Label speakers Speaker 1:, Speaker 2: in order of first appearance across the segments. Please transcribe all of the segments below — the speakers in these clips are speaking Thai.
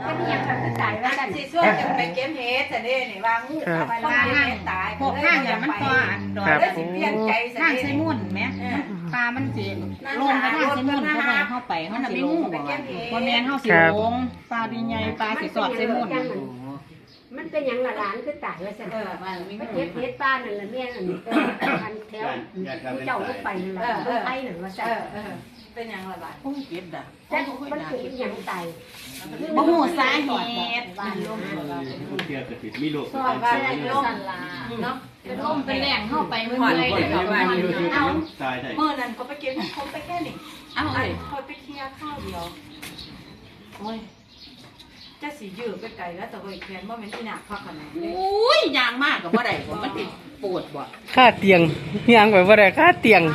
Speaker 1: มันยังทำตายว่ากันสิช่วงจะไปเก็บเห็ดแต่เนี่ยนี่วางงูไปวางเห็ดตาย
Speaker 2: พวกข้างอย่างมันต่ออันดอย
Speaker 1: ได้สิเปลี่ยนใจ
Speaker 2: ข้างไซมุ่นไหมปลามันสิลงไปข้างไซมุ่นเข้าไปเข้าไปเขาสิลงพอแมนเขาสิลงปลาดีใหญ่ปลาสิสอดไซมุ่น
Speaker 3: มันเป็นอย่างละหลานคือตายว่าซั่นมันเก็บเฮ็ดป้านั่นละแม่นั่นอันแถวเจ้าลูกไปนั่นล่ะลูกไผนั่นว่าซั่น
Speaker 1: เป็นอย่างละบาท
Speaker 2: โอ้ยเก็บด่ะ
Speaker 3: แต่มันเป็นอย่างตาย
Speaker 2: บ่ฮู้สาเหตุ
Speaker 4: เกี่ยวกับมีโรค
Speaker 1: สอบว่าอะไรล่มเนาะ
Speaker 2: เป็นลมเป็นแรงเข้าไปเมื่อ
Speaker 4: คน
Speaker 2: ไร
Speaker 4: คน
Speaker 2: เดี๋ยว
Speaker 4: ที่ว่า
Speaker 2: มัน
Speaker 4: อยู่ที่
Speaker 2: เอา
Speaker 4: ตายได้
Speaker 1: เมื่อนั้นก็ไปเก็บเขาไปแค่นี้
Speaker 2: เอาเลย
Speaker 1: คอยไปเคลียร์ข้าวเดียวโอ้ยจะสียืดไปไกลแล้วแต่ว่าอีกแค่ว่ามันที่หนักพักขนาดนี้
Speaker 2: อุ้ยยางมากกับว่าใดผมมันติดปวดบ่
Speaker 5: ค่าเตียงยังไปบ่ได้ค่าเตียง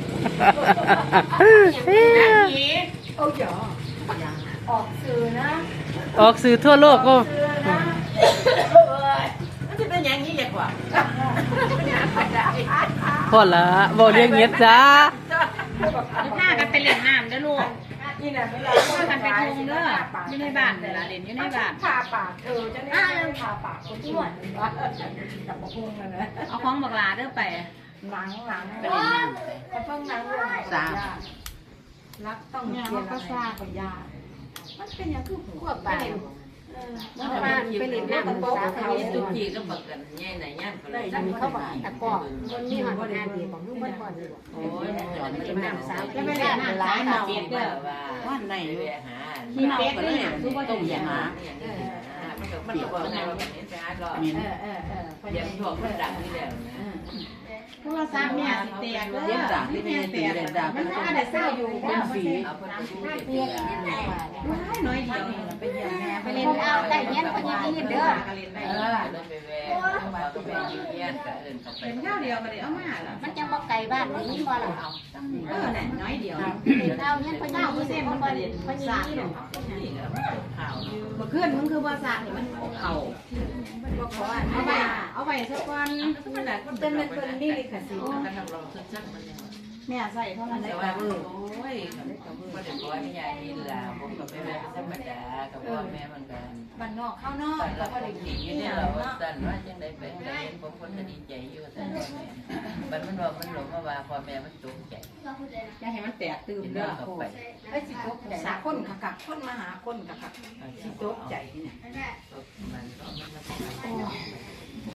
Speaker 1: โอ้ยออกสื่อนะ
Speaker 5: ออกสื่อทั่วโลกก็
Speaker 1: สื่อนะ
Speaker 2: มันจะเป็นอย่างนี้เลยกว่า
Speaker 5: พอละบ่เลี้ยงเงียบจ้า
Speaker 2: ผ้ากันไปเล่นน้ำเด้อลูก
Speaker 1: นี่น่ะเวลา
Speaker 2: ผ้ากันไปทงเด้ออยู่ในบ้านเวลาเล่นอยู่ในบ้าน
Speaker 1: ผ่าปากจะได้ผ่าปากคนอ้วนกับมะพุงนะ
Speaker 2: เอาของบักลาเด้อไป
Speaker 1: หนังไปเล่นน้ำเขาเพิ่งหนังลงรักต้องเรียนก็ทราบกับยามันเป็นอย่างคือหัวไปไปเล่นน้ำกับโป๊ะเขา
Speaker 6: ตุกจีก็บอกกันง่ายไหนย่านก็เลย
Speaker 3: นั่นเขาบอกตะกอกมันมีหอดงานดีของลูกบ่พอดี
Speaker 6: โอ้ยจอดไม่ได้สาว
Speaker 2: แล้วไปเล่นน้ำสายหนาวเด้อ
Speaker 6: ว่าไหนไปหา
Speaker 2: มีเป็ดด้วยคือว่าต้มยำ
Speaker 6: มันก็บอกว่ามันเห็นสะอาดหรอกเดี๋ยวถ่วงมันดังนี่แล้วนะ
Speaker 2: โทรศัพท์เนี่ยสิแตกเด้อ
Speaker 6: เย็นดังที่ไม่ตีเลยดัง
Speaker 2: มันก็ได้เศร้าอยู่
Speaker 6: เป็นฝีเอาไปดูเด็ก
Speaker 2: น้อยเดียวไปเยี่ยมแม่
Speaker 3: ไปเล่นเอาได้เงี้ยคนยังนี่เด้อ
Speaker 6: ไปแวะมาก็ไปยืนยันกับเอิญกับไป
Speaker 2: เป็นข้าวเดียวก็ได้เอามาล่ะ
Speaker 3: มันจังบ่ไกลบ้านนี่บ่ล่ะเอา
Speaker 2: น่ะน้อยเดียว
Speaker 3: เล่นเอาเงี้ยคนยังนี่เด้อมันบ่เล่นคนยังนี่เด้อ
Speaker 6: นี่ก็ข่าว
Speaker 2: เมื่อคืนมึงคือว่าสากนี่มันเข่าเอาไปสักวัน
Speaker 1: มันเป็นนี่เลยค่ะสิ
Speaker 6: ก็ทำรองชัดๆมัน
Speaker 2: แม่ใส่เท่านั้น
Speaker 6: แต่ว่าโอ้ยก็ได้ก้อยไม่ใหญ่นี่แหละผมกับแม่ธรรมดากับพ่อแม่มันกัน
Speaker 1: บ้านนอกข้าวนอก
Speaker 6: แต่
Speaker 1: แล้
Speaker 6: เรา
Speaker 1: วก็
Speaker 6: ก็
Speaker 1: ได้
Speaker 6: ได้
Speaker 1: กิ
Speaker 6: กิ
Speaker 1: น
Speaker 6: น
Speaker 1: อ
Speaker 6: อยู่ ยู่
Speaker 1: เนี่
Speaker 6: เนี่ย ย
Speaker 1: เรา
Speaker 6: เราสั่นว่าจังได้เป็นได้เห็นผมคนก็ดีใจอยู่แต่พ่อแม่มันบอกมันหลงว่าพ่อแม่มันตกใจ
Speaker 2: อย่าให้มันแตกตื่น
Speaker 6: กิน
Speaker 2: เด้
Speaker 6: เรื่
Speaker 2: อ
Speaker 6: องกับไป
Speaker 1: ไอ้สิตกใจคนขักคนมาหาคนขักสิตกใจเนี่ย
Speaker 6: มันก็มัน